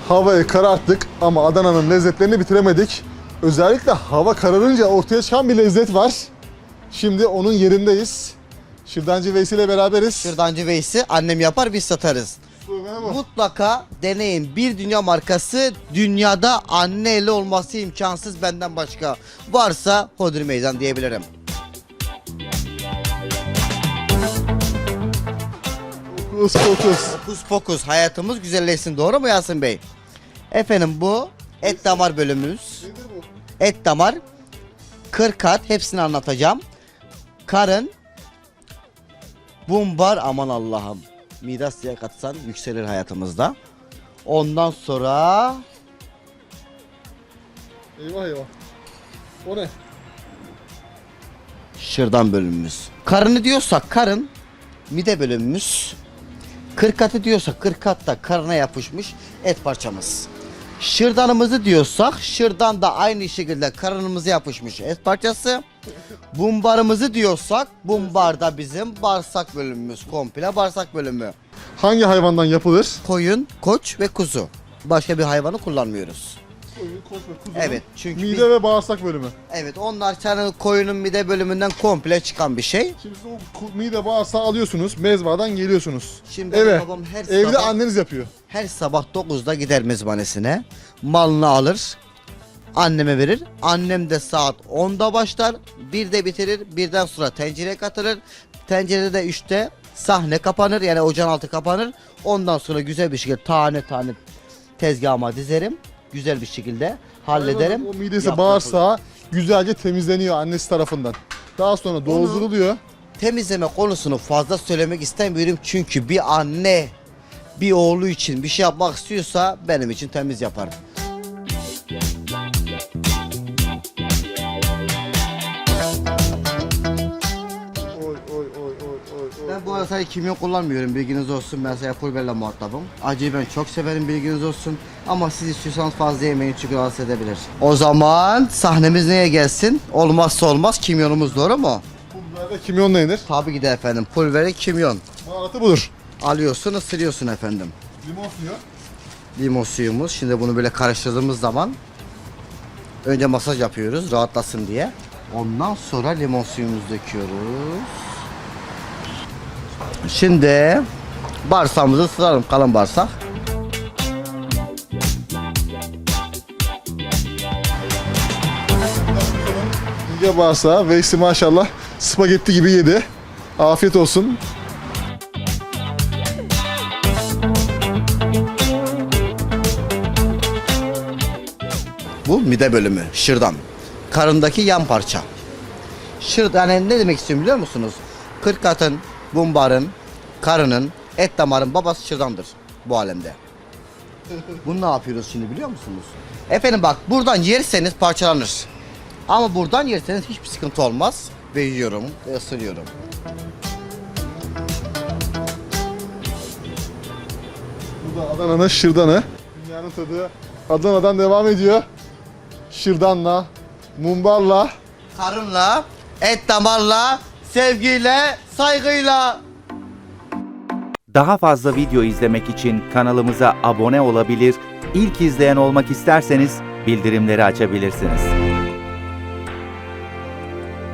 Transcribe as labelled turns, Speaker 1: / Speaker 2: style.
Speaker 1: Havayı kararttık ama Adana'nın lezzetlerini bitiremedik. Özellikle hava kararınca ortaya çıkan bir lezzet var. Şimdi onun yerindeyiz. Şırdancı Veysi ile beraberiz.
Speaker 2: Şırdancı Veysi annem yapar biz satarız. Mutlaka deneyin. Bir dünya markası, dünyada anne eli olması imkansız benden başka. Varsa hodri meydan diyebilirim.
Speaker 1: Fokus fokus.
Speaker 2: Fokus fokus hayatımız güzelleşsin, doğru mu Yasin Bey? Efendim bu et damar bölümümüz. Et damar, kırkat, hepsini anlatacağım. Karın, bumbar, aman Allah'ım. Midas diye katsan yükselir hayatımızda. Ondan sonra
Speaker 1: Eyvah eyvah. O ne?
Speaker 2: şırdan bölümümüz. Karını diyorsak karın, mide bölümümüz. Kırkatı diyorsak kırkatta karına yapışmış et parçamız. Şırdanımızı diyorsak şırdan da aynı şekilde karınımıza yapışmış et parçası. Bumbarımızı diyorsak bumbar da bizim bağırsak bölümümüz, komple bağırsak bölümü.
Speaker 1: Hangi hayvandan yapılır?
Speaker 2: Koyun, koç ve kuzu. Başka bir hayvanı kullanmıyoruz.
Speaker 1: Koyun, koç ve kuzu.
Speaker 2: Evet, çünkü
Speaker 1: Mide ve bağırsak bölümü.
Speaker 2: evet, onlar senin koyunun mide bölümünden komple çıkan bir şey.
Speaker 1: Şimdi siz o mide bağırsağı alıyorsunuz, mezbahadan geliyorsunuz.
Speaker 2: Şimdi
Speaker 1: Eve.
Speaker 2: babam her
Speaker 1: Evde
Speaker 2: sabah
Speaker 1: anneniz yapıyor.
Speaker 2: Her sabah 9'da gider mezbahanesine. Malını alır. Anneme verir. Annem de saat 10'da başlar. 1'de bitirir. 1'den sonra tencereye katılır. Tencerede de 3'te sahne kapanır. Yani ocağın altı kapanır. Ondan sonra güzel bir şekilde tane tane tezgahıma dizerim. Güzel bir şekilde hallederim.
Speaker 1: O midesi
Speaker 2: Yaprak
Speaker 1: bağırsağı güzelce temizleniyor annesi tarafından. Daha sonra dolduruluyor.
Speaker 2: Temizleme konusunu fazla söylemek istemiyorum. Çünkü bir anne bir oğlu için bir şey yapmak istiyorsa benim için temiz yapar.
Speaker 1: Oy oy oy oy oy oy.
Speaker 2: Ben bu arada sadece kimyon kullanmıyorum, bilginiz olsun. Ben sadece pul biberle muhatabım. Acıyı ben çok severim, bilginiz olsun. Ama siz istiyorsanız fazla yemeyin çünkü rahatsız edebilir. O zaman sahnemiz neye gelsin? Olmazsa olmaz kimyonumuz, doğru mu?
Speaker 1: Pul biber ve kimyonla yenir.
Speaker 2: Tabii ki de efendim, pul biberi, kimyon.
Speaker 1: Baharatı budur.
Speaker 2: Alıyorsun, ısırıyorsun efendim.
Speaker 1: Limon suyu.
Speaker 2: Limon suyumuz. Şimdi bunu böyle karıştırdığımız zaman önce masaj yapıyoruz rahatlasın diye. Ondan sonra limon suyumuzu döküyoruz. Şimdi bağırsağımızı ısıralım, kalın bağırsak.
Speaker 1: İnce bağırsağı. Veysi maşallah spagetti gibi yedi. Afiyet olsun.
Speaker 2: Bu mide bölümü, şırdan. Karındaki yan parça. Şırdan, yani ne demek istiyorum biliyor musunuz? Kırkatın, bumbarın, karının, et damarın babası şırdandır bu alemde. Bunu ne yapıyoruz şimdi biliyor musunuz? Efendim bak, buradan yerseniz parçalanır. Ama buradan yerseniz hiçbir sıkıntı olmaz. Ve yiyorum ve ısırıyorum.
Speaker 1: Bu da Adana'nın şırdanı. Dünyanın tadı Adana'dan devam ediyor. Şırdanla, mumbarla.
Speaker 2: Karınla, et damarla, sevgiyle, saygıyla.
Speaker 3: Daha fazla video izlemek için kanalımıza abone olabilir, ilk izleyen olmak isterseniz bildirimleri açabilirsiniz.